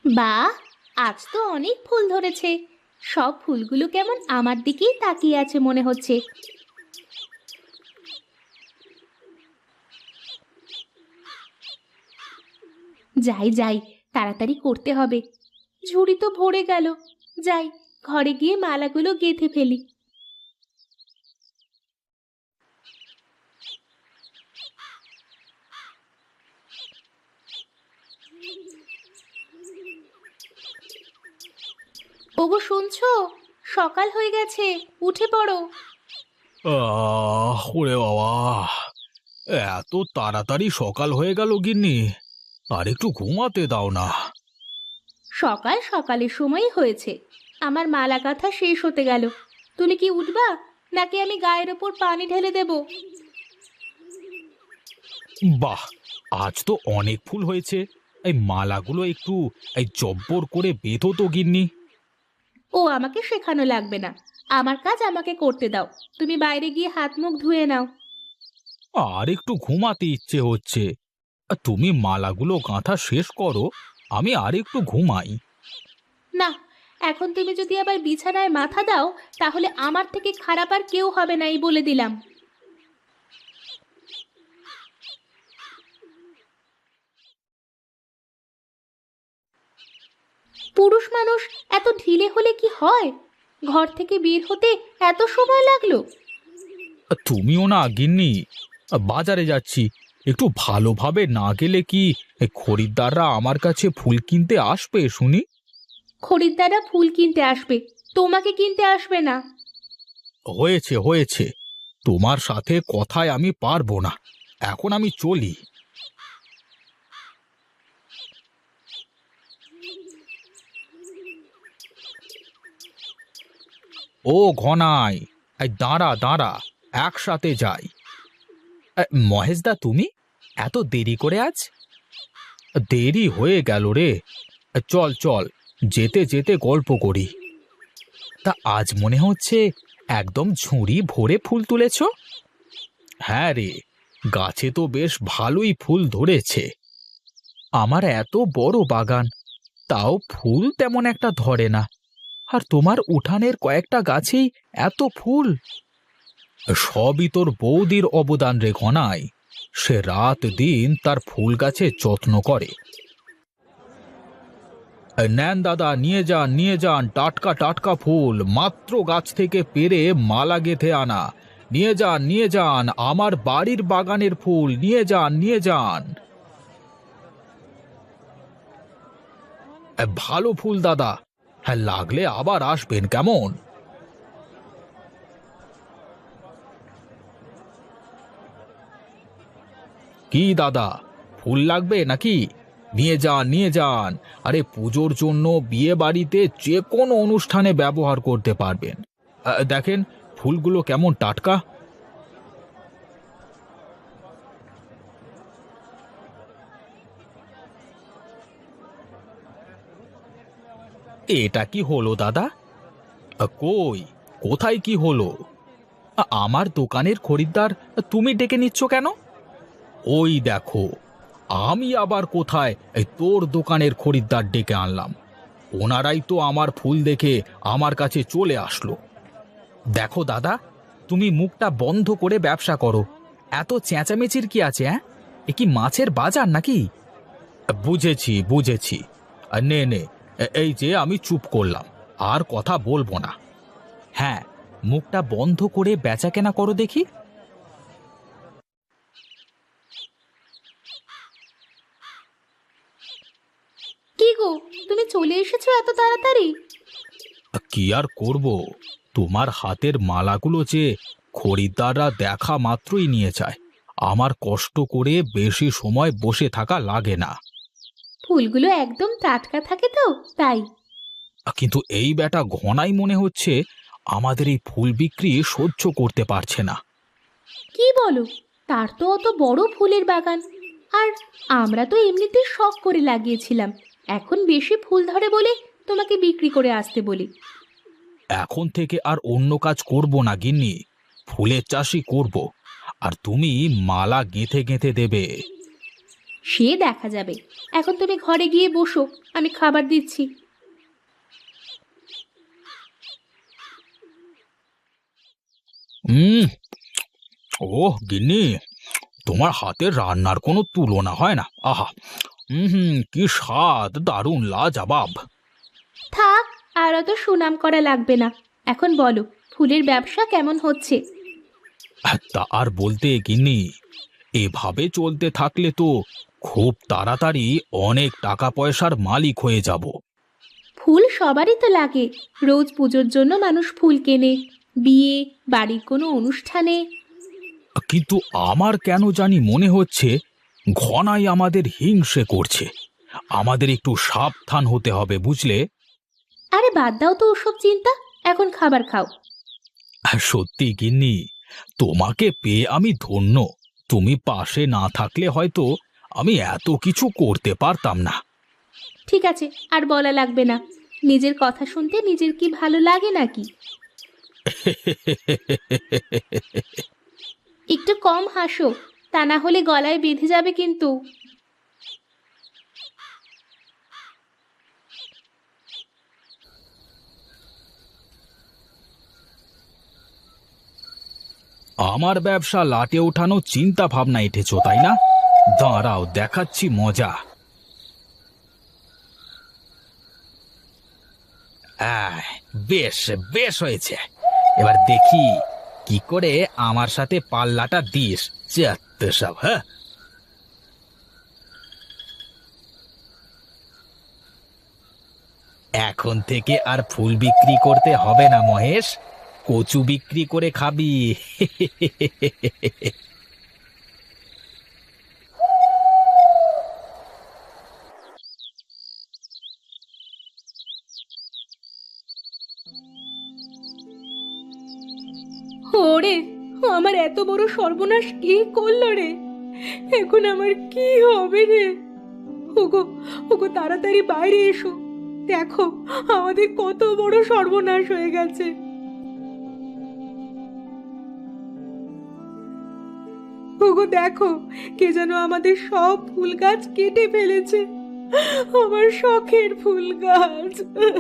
বাহ, আজ তো অনেক ফুল ধরেছে। সব ফুলগুলো কেমন আমার দিকেই তাকিয়ে আছে মনে হচ্ছে। যাই যাই, তাড়াতাড়ি করতে হবে। ঝুড়ি তো ভরে গেল। যাই, ঘরে গিয়ে মালাগুলো গেঁথে ফেলি। ওগো শুনছো? সকাল হয়ে গেছে, উঠে পড়ো। ওরে বাবা, এত তাড়াতাড়ি সকাল হয়ে গেল গিন্নি। আর একটু ঘুমাতে দাও না। সকাল সকালের সময়ই হয়েছে। আমার মালা গাঁথা শেষ হতে গেল। তুমি কি উঠবা, নাকি আমি গায়ের ওপর পানি ঢেলে দেব? বাহ, আজ তো অনেক ফুল হয়েছে। এই মালাগুলো একটু জব্বর করে বেঁধো তো গিন্নি। ও আমাকে শেখানো লাগবে না। আমার কাজ আমাকে করতে দাও। তুমি বাইরে গিয়ে হাত মুখ ধুয়ে নাও। আর একটু ঘুমাতে ইচ্ছে হচ্ছে। তুমি মালাগুলো গাঁথা শেষ করো, আমি আর একটু ঘুমাই। না, এখন তুমি যদি আবার বিছানায় মাথা দাও, তাহলে আমার থেকে খারাপ আর কেউ হবে না, এই বলে দিলাম। পুরুষ মানুষ এত ঢিলে হলে কি হয়? ঘর থেকে বের হতে এত সময় লাগলো? তুমিও না গিন্নি, বাজারে যাচ্ছি। একটু ভালোভাবে না গেলে কি খরিদ্দাররা আমার কাছে ফুল কিনতে আসবে শুনি? খরিদ্দাররা ফুল কিনতে আসবে, তোমাকে কিনতে আসবে না। হয়েছে হয়েছে, তোমার সাথে কথায় আমি পারবো না। এখন আমি চলি। ও ঘনাই, দাঁড়া দাঁড়া, একসাথে যাই। মহেশদা, তুমি এত দেরি করে আজ? দেরি হয়ে গেল রে। চল চল, যেতে যেতে গল্প করি। তা আজ মনে হচ্ছে একদম ঝুড়ি ভরে ফুল তুলেছ। হ্যাঁ রে, গাছে তো বেশ ভালোই ফুল ধরেছে। আমার এত বড় বাগান, তাও ফুল তেমন একটা ধরে না। আর তোমার উঠানের কয়েকটা গাছেই এত ফুল। সবই তোর বৌদির অবদান রে ঘনাই। সে রাত দিন তার ফুল গাছের যত্ন করে। নেন দাদা, নিয়ে যান নিয়ে যান, টাটকা টাটকা ফুল, মাত্র গাছ থেকে পেড়ে মালা গেঁথে আনা। নিয়ে যান নিয়ে যান, আমার বাড়ির বাগানের ফুল, নিয়ে যান নিয়ে যান। ভালো ফুল দাদা। হ্যাঁ, লাগলে আবার আসবেন কেমন? কি দাদা, ফুল লাগবে নাকি? নিয়ে যান নিয়ে যান। আরে পুজোর জন্য, বিয়ে বাড়িতে, যে কোনো অনুষ্ঠানে ব্যবহার করতে পারবেন। দেখেন ফুলগুলো কেমন টাটকা। এটা কি হলো দাদা? কই, কোথায় কি হলো? আমার দোকানের খরিদ্দার তুমি ডেকে নিচ্ছ কেন? ওই দেখো, আমি আবার কোথায় তোর দোকানের খরিদ্দার ডেকে আনলাম? ওনারাই তো আমার ফুল দেখে আমার কাছে চলে আসলো। দেখো দাদা, তুমি মুখটা বন্ধ করে ব্যবসা করো। এত চেঁচামেচির কি আছে? হ্যাঁ, এ কি মাছের বাজার নাকি? বুঝেছি বুঝেছি। নে নে, এই যে আমি চুপ করলাম, আর কথা বলবো না। হ্যাঁ, মুখটা বন্ধ করে বেচাকেনা করো দেখি। কি গো, তুমি চলে এসেছো এত তাড়াতাড়ি? কি আর করব, তোমার হাতের মালাগুলো যে খরিদ্দাররা দেখা মাত্রই নিয়ে যায়। আমার কষ্ট করে বেশি সময় বসে থাকা লাগে না। ফুলগুলো একদম টাটকা থাকে তো, তাই। কিন্তু এই বেটা ঘনাই মনে হচ্ছে আমাদের এই ফুল বিক্রি সহ্য করতে পারছে না। কি বলো? তার তো অত বড় ফুলের বাগান। আর আমরা তো এমনিতে শখ করে লাগিয়েছিলাম। এখন বেশি ফুল ধরে বলে তোমাকে বিক্রি করে আসতে বলি। এখন থেকে আর অন্য কাজ করব না গিন্নি, ফুলের চাষই করব। আর তুমি মালা গেঁথে গেঁথে দেবে। সে দেখা যাবে। এখন তুমি ঘরে গিয়ে বসো, আমি খাবার দিচ্ছি। হুম। ওহ গিন্নি, তোমার হাতের রান্নার কোনো তুলনা হয় না। আহা, হুম, কি স্বাদ, দারুণ লাজবাব। থাক, আর অত সুনাম করা লাগবে না। এখন বলো, ফুলের ব্যবসা কেমন হচ্ছে? তা আর বলতে গিন্নি, এভাবে চলতে থাকলে তো খুব তাড়াতাড়ি অনেক টাকা পয়সার মালিক হয়ে যাব। ফুল সবারই তো লাগে। রোজ পুজোর জন্য মানুষ ফুল কেনে, বিয়ে, বাড়ির কোনো অনুষ্ঠানে। কিন্তু আমার কেন জানি মনে হচ্ছে ঘনাই আমাদের হিংসে করছে। আমাদের একটু সাবধান হতে হবে, বুঝলে? আরে বাদ দাও তো ওসব চিন্তা, এখন খাবার খাও। সত্যি গিন্নি, তোমাকে পেয়ে আমি ধন্য। তুমি পাশে না থাকলে হয়তো আমি এত কিছু করতে পারতাম না। ঠিক আছে, আর বলা লাগবে না। নিজের কথা শুনতে নিজের কি ভালো লাগে নাকি? একটু কম হাসো, তা না হলে গলায় বেঁধে যাবে কিন্তু। আমার ব্যবসা লাটে ওঠানো চিন্তা ভাবনা এঁটেছো, তাই না? দাঁড়াও, দেখাচ্ছি মজা। আহ, বেশ বেশ হয়েছে। এবার দেখি কি করে আমার সাথে পাল্লাটা দিস। চেয়াত্তে সব, হ্যাঁ। এখন থেকে আর ফুল বিক্রি করতে হবে না মহেশ, কচু বিক্রি করে খাবি। ওরে, আমার এত বড় সর্বনাশ কে করলো রে? এখন আমার কি হবে রে? ওগো, ওগো, তাড়াতাড়ি বাইরে এসো। দেখো, আমাদের কত বড় সর্বনাশ হয়ে গেছে। ওগো দেখো, কে যেন আমাদের সব ফুল গাছ কেটে ফেলেছে। আমার শখের ফুল গাছ।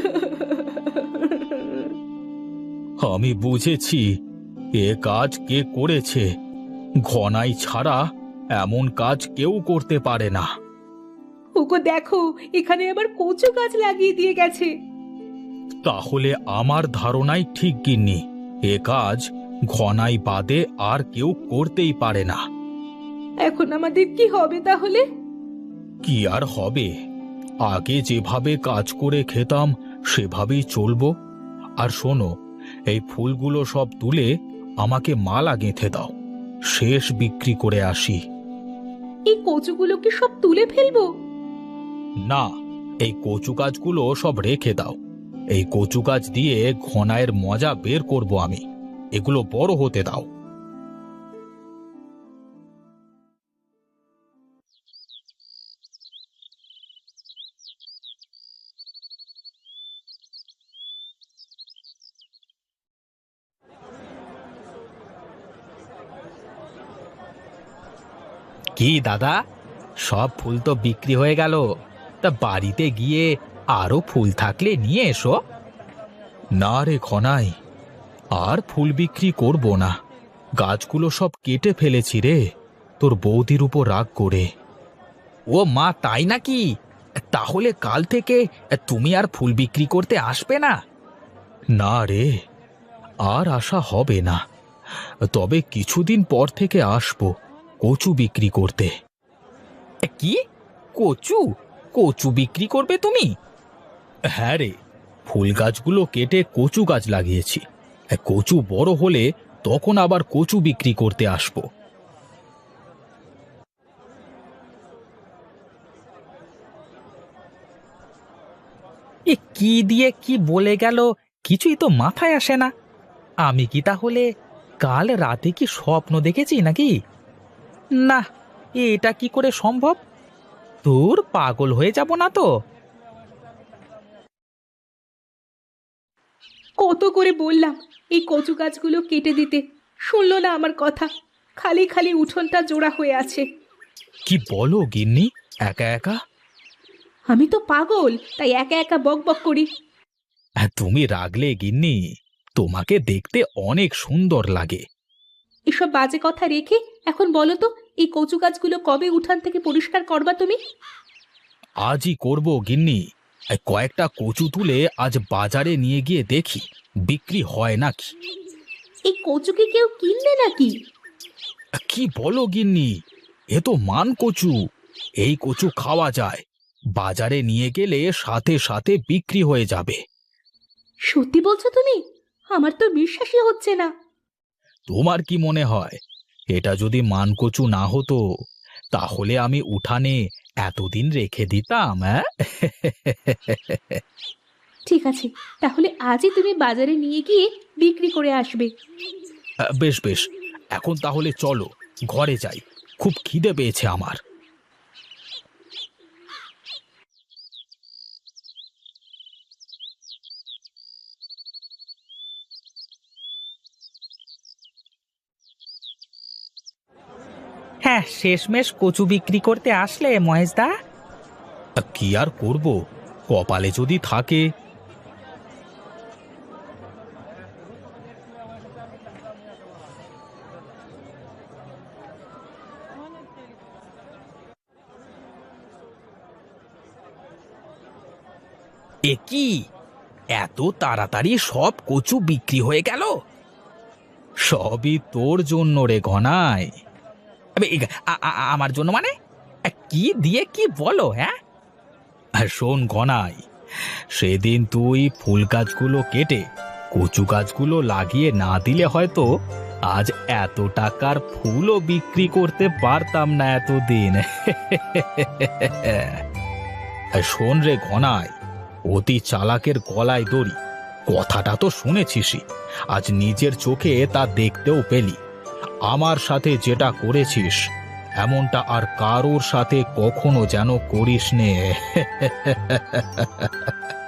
আমি বুঝেছি এ কাজ কে করেছে। ঘনাই ছাড়া এমন কাজ কেউ করতে পারে না। ওগো দেখো, এখানে আবার কচু গাছ লাগিয়ে দিয়ে গেছে। তাহলে আমার ধারণাই ঠিক গিন্নি, এ কাজ ঘনাই বাদে আর কেউ করতেই পারে না। এখন আমাদের কি হবে তাহলে? কি আর হবে, আগে যেভাবে কাজ করে খেতাম সেভাবেই চলবো। আর শোনো, এই ফুলগুলো সব তুলে আমাকে মালা গেঁথে দাও, শেষ বিক্রি করে আসি। এই কচুগুলো কি সব তুলে ফেলবো? না, এই কচু গাছগুলো সব রেখে দাও। এই কচু গাছ দিয়ে ঘনায়ের মজা বের করব আমি। এগুলো বড় হতে দাও। কি দাদা, সব ফুল তো বিক্রি হয়ে গেল। তা বাড়িতে গিয়ে আরো ফুল থাকলে নিয়ে এসো। না রে খনাই, আর ফুল বিক্রি করব না। গাছগুলো সব কেটে ফেলেছি রে, তোর বৌদির উপর রাগ করে। ও মা, তাই নাকি? তাহলে কাল থেকে তুমি আর ফুল বিক্রি করতে আসবে না? না রে, আর আসা হবে না। তবে কিছুদিন পর থেকে আসবো কচু বিক্রি করতে। কি? কচু? কচু বিক্রি করবে তুমি? হ্যাঁ রে, ফুল গাছগুলো কেটে কচু গাছ লাগিয়েছি। কচু বড় হলে তখন আবার কচু বিক্রি করতে আসবো। এ কি দিয়ে কি বলে গেল, কিছুই তো মাথায় আসে না। আমি কি তাহলে কাল রাতে কি স্বপ্ন দেখেছি নাকি? না, এটা কি করে সম্ভব? তোর পাগল হয়ে যাব না তো? কত করে বললাম এই কচু গাছগুলো কেটে দিতে, শুনলো না আমার কথা। খালি খালি উঠোনটা জোড়া হয়ে আছে। কি বলো গিন্নি, একা একা? আমি তো পাগল, তাই একা একা বক বক করি। তুমি রাগলে গিন্নি, তোমাকে দেখতে অনেক সুন্দর লাগে। এসব বাজে কথা রেখে এখন বলো তো, এই কচু গাছগুলো কবে উঠান থেকে পরিষ্কার করবা তুমি? আজই করব গিন্নি। এই কয়েকটা কচু তুলে আজ বাজারে নিয়ে গিয়ে দেখি বিক্রি হয় নাকি। এই কচু কি কেউ কিনবে নাকি? কি বলো গিন্নি, এ তো মান কচু। এই কচু খাওয়া যায়, বাজারে নিয়ে গেলে সাথে সাথে বিক্রি হয়ে যাবে। সত্যি বলছো তুমি? আমার তো বিশ্বাসই হচ্ছে না। তোমার কি মনে হয়, এটা যদি মানকচু না হতো তাহলে আমি উঠানে এতদিন রেখে দিতাম? হ্যাঁ। ঠিক আছে, তাহলে আজই তুমি বাজারে নিয়ে গিয়ে বিক্রি করে আসবে। বেশ বেশ, এখন তাহলে চলো ঘরে যাই, খুব খিদে পেয়েছে আমার। হ্যাঁ, শেষমেশ কচু বিক্রি করতে আসলে মহেশদা। কি আর করব, কপালে যদি থাকে। এ কি, এত তাড়াতাড়ি সব কচু বিক্রি হয়ে গেল? সবই তোর জন্য রে ঘনাই। আমার জন্য মানে? কি দিয়ে কি বলো? হ্যাঁ, শোন ঘনাই, সেদিন তুই ফুল গাছগুলো কেটে কচু গাছগুলো লাগিয়ে না দিলে হয়তো আজ এত টাকার ফুলও বিক্রি করতে পারতাম না এতদিন। শোন রে ঘনাই, অতি চালাকের গলায় দড়ি, কথাটা তো শুনেছিসই, আজ নিজের চোখে তা দেখতেও পেলি। আমার সাথে যেটা করেছিস এমনটা আর কারোর সাথে কখনো যেন করিস নে।